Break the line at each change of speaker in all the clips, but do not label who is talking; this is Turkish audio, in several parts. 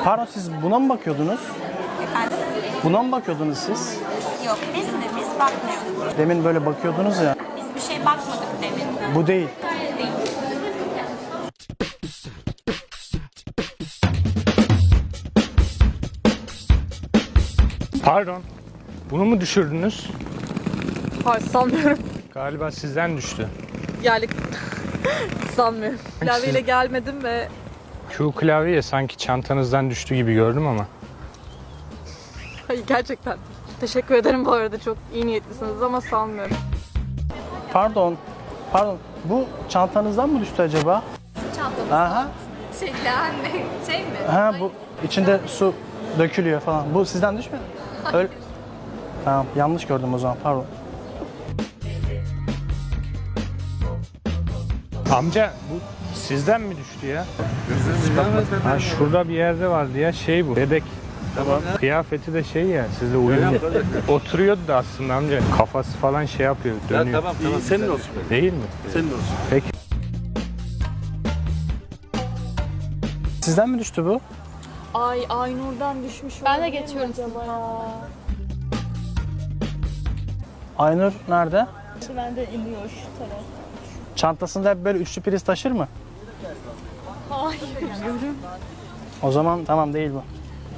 Pardon, siz buna mı bakıyordunuz?
Efendim?
Buna mı bakıyordunuz siz?
Yok biz bakmıyoruz.
Demin böyle bakıyordunuz ya.
Biz bir şey bakmadık demin.
Bu değil.
Değil.
Pardon. Bunu mu düşürdünüz?
Hayır sanmıyorum.
Galiba sizden düştü.
Yani sanmıyorum. Klavyeyle gelmedim ve
Şu klavye sanki çantanızdan düştü gibi gördüm ama.
hayır gerçekten. Teşekkür ederim bu arada, çok iyi niyetlisiniz ama sanmıyorum.
Pardon. Pardon. Bu çantanızdan mı düştü acaba?
Çantamız.
Aha.
Şey mi?
Ha, bu içinde su dökülüyor falan. Bu sizden düşmedi mi? Öyle. Tamam, yanlış gördüm o zaman. Pardon.
Amca bu sizden mi düştü ya? Ha, şurada bir yerde vardı ya, şey bu. Bebek. Tamam. Kıyafeti de şey ya, sizle uyumlu. Oturuyordu da aslında amca. Kafası falan şey yapıyor, dönüyor.
Ya tamam tamam. Senin olsun.
Değil mi?
Senin olsun.
Peki.
Sizden mi düştü bu?
Ay Aynur'dan düşmüş. Ben de geçiyorum acaba ya.
Aynur nerede?
Ben de iniyor şu taraf.
Çantasında hep böyle üçlü priz taşır mı?
Hayır.
O zaman tamam, değil bu.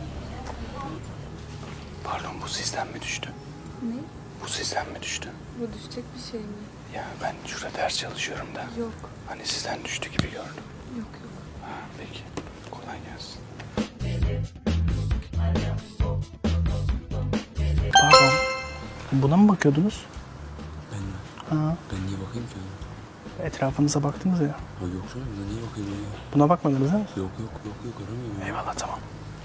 Pardon, bu sizden mi düştü?
Ne?
Bu sizden mi düştü?
Bu düşecek bir şey mi?
Ya ben şurada ders çalışıyorum da.
Yok.
Hani sizden düştü gibi gördüm.
Yok yok.
Ha, peki. Kolay gelsin. Pardon. Buna mı bakıyordunuz?
Ben mi?
Ha.
Ben niye bakayım ki?
Etrafınıza baktınız ya.
Ha yok canım, ben niye bakayım ya?
Buna bakmadınız değil mi?
Yok aramıyorum ya.
Eyvallah, tamam.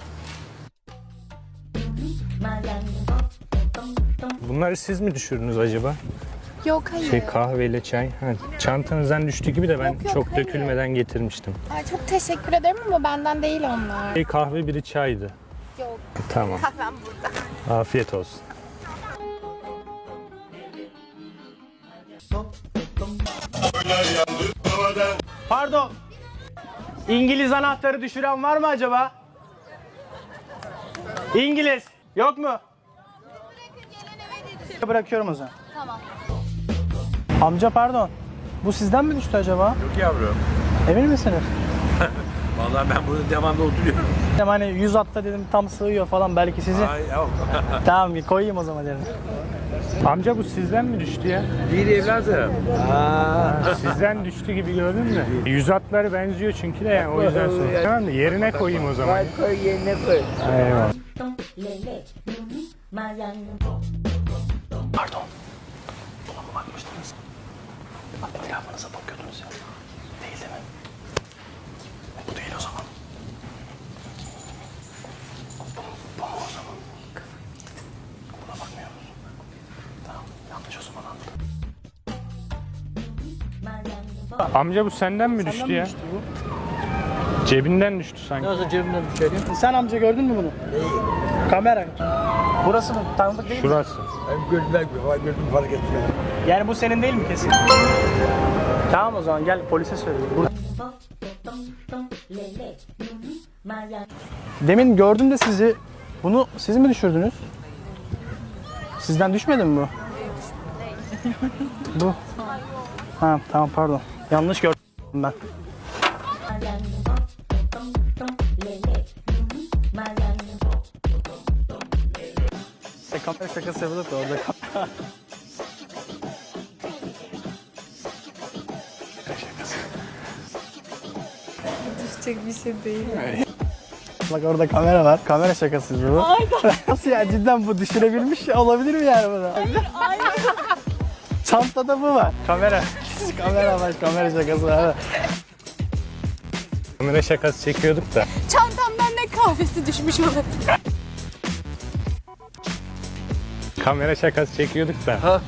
Bunları siz mi düşürdünüz acaba?
Yok hayır.
Şey, kahveyle çay. Ha, çantanızdan düştü gibi de ben
Yok, yok,
çok
hayır.
dökülmeden getirmiştim.
Ay, çok teşekkür ederim ama benden değil onlar.
Bir kahve, biri çaydı.
Yok.
Tamam.
Kahvem burada.
Afiyet olsun.
Pardon. İngiliz anahtarı düşüren var mı acaba? İngiliz. Yok mu? Bırakıyorum o zaman.
Tamam.
Amca pardon. Bu sizden mi düştü acaba?
Yok yavrum.
Emin misiniz?
Vallahi ben burada devamlı oturuyorum.
Dedim hani 100 atta dedim tam sığıyor falan, belki sizi.
Ay yok.
Tamam, bir koyayım o zaman dedim.
Amca bu sizden mi düştü ya?
Değil evladım.
Sizden düştü gibi gördün mü? Yüz atları benziyor çünkü de, yani o yüzden sonra. Tamam mı? Yerine koyayım o zaman.
Koy yerine koy.
Eyvallah.
Pardon. Buna mı bakmıştınız? Etrafınıza bakıyordunuz ya. Değil mi? Bu değil o zaman. Bu mu o zaman? Buna bakmıyor musun? Tamam, yanlış o zaman anladım.
Amca bu senden mi düştü ya?
bu?
Cebinden düştü sanki.
Nasıl cebimden düşüyor? Sen amca gördün mü bunu? Kamera. Burası mı? Tanıdık değil mi?
Şurası.
Ben gördüm fark etmedim.
Yani bu senin değil mi kesin? Tamam, o zaman gel polise söyleyeyim. Demin gördüm de sizi. Bunu siz mi düşürdünüz? Sizden düşmedi mi bu? Bu. Ha, tamam, pardon. Yanlış gördüm ben. Kamera şakası yapıyorduk da orada.
Düşecek bir şey değil.
Bak orada kamera var. Kamera şakası bu. Nasıl ya, cidden bu düşürebilmiş olabilir mi yani bunu? Çantada bu var. Kamera. Kamera var, kamera şakası var.
Kamera şakası çekiyorduk da.
Çantamdan ne kahvesi düşmüş olabilir.
Kamera şakası çekiyorduk da.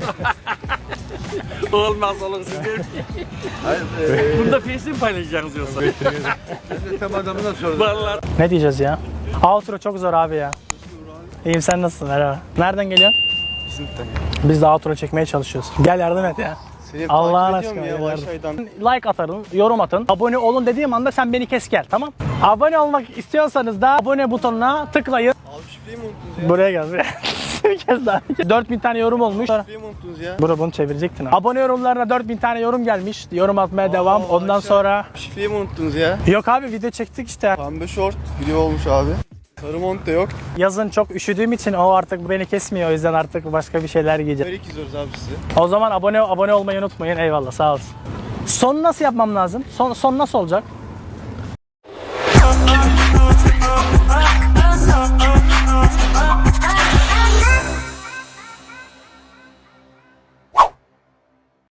Olmaz olur siz diyorum. Bunda face mi paylaşacaksınız yoksa? Ben de tam adamına sordum. Vallahi.
Ne diyeceğiz ya? Outro çok zor abi ya. İyiyim, sen nasılsın? Merhaba. Nereden geliyorsun? Biz de outro çekmeye çalışıyoruz. Gel yardım et ya. Allah'ın aşkına. Like atarın, yorum atın, abone olun dediğim anda sen beni kes gel, tamam? Abone olmak istiyorsanız da abone butonuna tıklayın.
Abi şifreyi mi unuttunuz ya?
Buraya gel. Bir kez daha. 4000 tane yorum olmuş.
Şifreyi mi unuttunuz ya?
Bro bunu çevirecektin abi. Abone yorumlarına 4000 tane yorum gelmiş. Yorum atmaya devam. Ondan
aşağı-
sonra...
Şifreyi mi unuttunuz ya?
Yok abi video çektik işte.
Pembe şort video olmuş abi. Sarı mont da yok.
Yazın çok üşüdüğüm için o artık beni kesmiyor. O yüzden artık başka bir şeyler giyeceğim.
Böyle izliyoruz abi sizi.
O zaman abone olmayı unutmayın. Eyvallah sağ olsun. Son nasıl yapmam lazım? Son nasıl olacak?